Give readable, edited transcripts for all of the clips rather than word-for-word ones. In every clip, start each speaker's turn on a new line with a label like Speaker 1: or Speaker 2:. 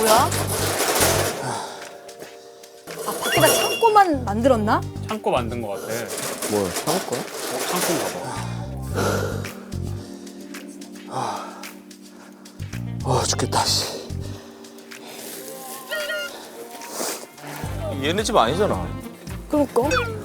Speaker 1: 뭐야? 아, 밖에다 창고만 만들었나?
Speaker 2: 창고 만든 것 같아.
Speaker 3: 뭐 창고야?
Speaker 2: 창고인가 봐.
Speaker 3: 죽겠다 씨. 얘네 집 아니잖아.
Speaker 1: 그러니까.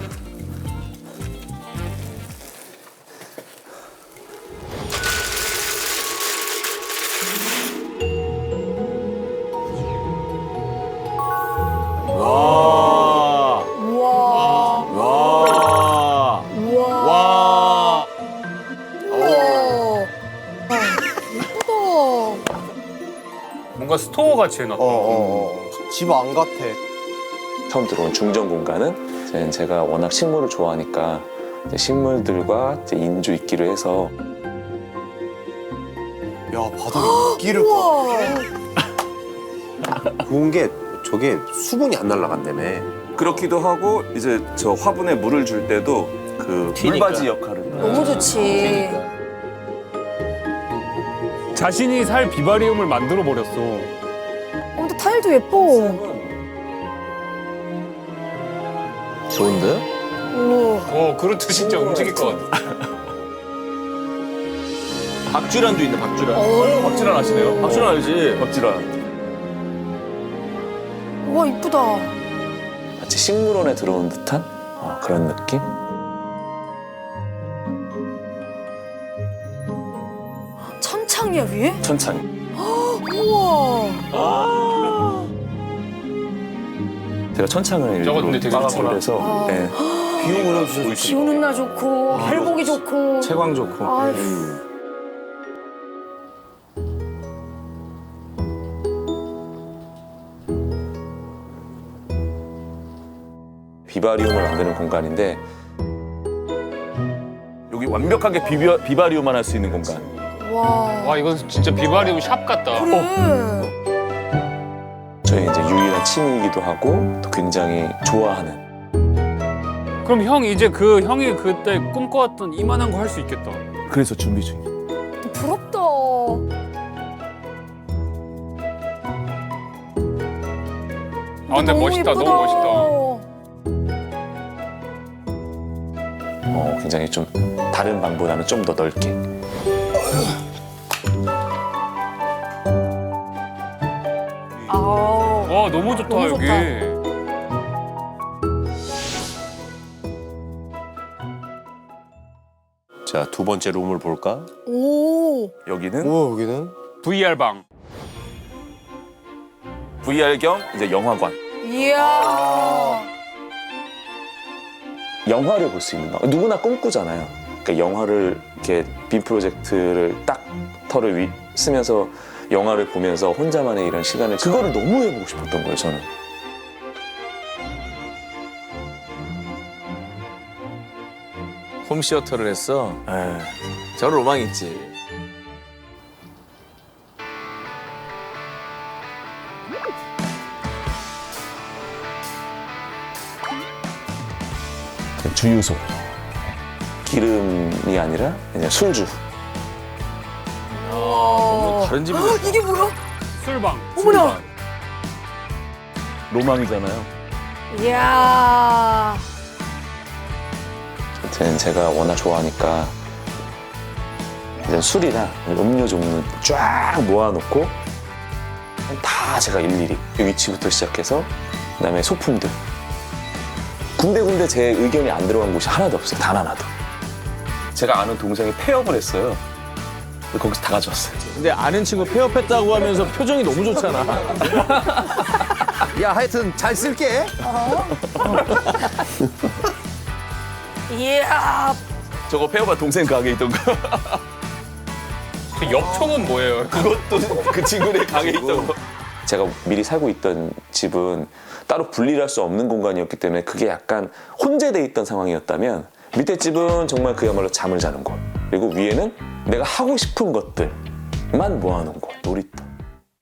Speaker 3: 와.
Speaker 1: 우와.
Speaker 3: 와.
Speaker 1: 우와.
Speaker 3: 와.
Speaker 1: 우와. 예쁘다.
Speaker 2: 뭔가 스토어 같이 해놨다.
Speaker 3: 집 안 같아.
Speaker 4: 처음 들어온 중정 공간은 제가 워낙 식물을 좋아하니까 이제 식물들과 이제 인조 있기를 해서
Speaker 3: 야 바닥에 이끼를
Speaker 1: 우와.
Speaker 5: 좋은 게 저게 수분이 안 날아간다며.
Speaker 6: 그렇기도 하고 이제 저 화분에 물을 줄 때도 그
Speaker 3: 튀니까.
Speaker 6: 물바지 역할을
Speaker 1: 너무 좋지.
Speaker 2: 자신이 살 비바리움을 만들어 버렸어.
Speaker 1: 근데 타일도 예뻐.
Speaker 3: 좋은데?
Speaker 1: 우와.
Speaker 2: 그렇듯 진짜 움직일 것 같아.
Speaker 3: 박쥐란도 있네 박쥐란.
Speaker 4: 박질환 아시네요?
Speaker 3: 박쥐란 알지?
Speaker 4: 박질환.
Speaker 1: 우와, 이쁘다.
Speaker 4: 마치 식물원에 들어온 듯한 그런 느낌?
Speaker 1: 천창이야, 위에?
Speaker 4: 천천히.
Speaker 1: 우와.
Speaker 4: 제가 천창을
Speaker 2: 저거 근데 되게 좋구나.
Speaker 4: 그래서
Speaker 1: 아.
Speaker 4: 네.
Speaker 3: 비 오면 진짜
Speaker 1: 비 오는 날 좋고, 별 보기 좋고.
Speaker 3: 채광 좋고.
Speaker 1: 아휴.
Speaker 4: 비바리움을 만드는 공간인데
Speaker 6: 여기 완벽하게 비바리움만 할 수 있는 공간.
Speaker 1: 와.
Speaker 2: 와, 이건 진짜 비바리움 샵 같다.
Speaker 1: 그래.
Speaker 4: 저희 이제 유일한 취미이기도 하고 또 굉장히 좋아하는.
Speaker 2: 그럼 형 이제 그 형이 그때 꿈꿔왔던 이만한 거 할 수 있겠다.
Speaker 4: 그래서 준비 중이에요.
Speaker 1: 부럽다.
Speaker 2: 아, 근데 멋있다. 너무 멋있다.
Speaker 4: 굉장히 좀 다른 방보다는 좀 더 넓게.
Speaker 1: 아우.
Speaker 2: 와, 너무 좋다,
Speaker 1: 너무
Speaker 2: 여기.
Speaker 1: 좋다.
Speaker 5: 자, 두 번째 룸을 볼까?
Speaker 1: 오.
Speaker 6: 여기는
Speaker 3: 오 여기는?
Speaker 2: VR 방.
Speaker 6: VR 겸 이제 영화관.
Speaker 1: 이야.
Speaker 4: 영화를 볼 수 있는 방. 누구나 꿈꾸잖아요. 그러니까 영화를 이렇게 빔 프로젝트를 딱 털을 쓰면서 영화를 보면서 혼자만의 이런 시간을 그거를 너무 해보고 싶었던 거예요, 저는.
Speaker 3: 홈시어터를 했어.
Speaker 4: 에.
Speaker 3: 저런 로망 있지.
Speaker 4: 주유소. 기름이 아니라 그냥 술주.
Speaker 1: 너무
Speaker 3: 다른 집이
Speaker 1: 이게 뭐야?
Speaker 2: 술방.
Speaker 1: 어머나.
Speaker 4: 로망이잖아요.
Speaker 1: 이야.
Speaker 4: 하여튼 제가 워낙 좋아하니까 이제 술이나 음료 종류 쫙 모아놓고 다 제가 일일이 이 위치부터 시작해서 그다음에 소품들 군데군데 제 의견이 안 들어간 곳이 하나도 없어요. 단 하나도. 제가 아는 동생이 폐업을 했어요. 거기서 다 가져왔어요.
Speaker 3: 근데 아는 친구 폐업했다고 하면서 표정이 너무 좋잖아. 야 하여튼 잘 쓸게.
Speaker 1: 이야.
Speaker 6: 저거 폐업한 동생 가게 있던 거.
Speaker 2: 그 옆총은 뭐예요?
Speaker 6: 그것도 그 친구네 가게 있던 거.
Speaker 4: 제가 미리 살고 있던 집은 따로 분리를 할 수 없는 공간이었기 때문에 그게 약간 혼재돼 있던 상황이었다면 밑에 집은 정말 그야말로 잠을 자는 곳, 그리고 위에는 내가 하고 싶은 것들만 모아놓은 곳, 놀이터.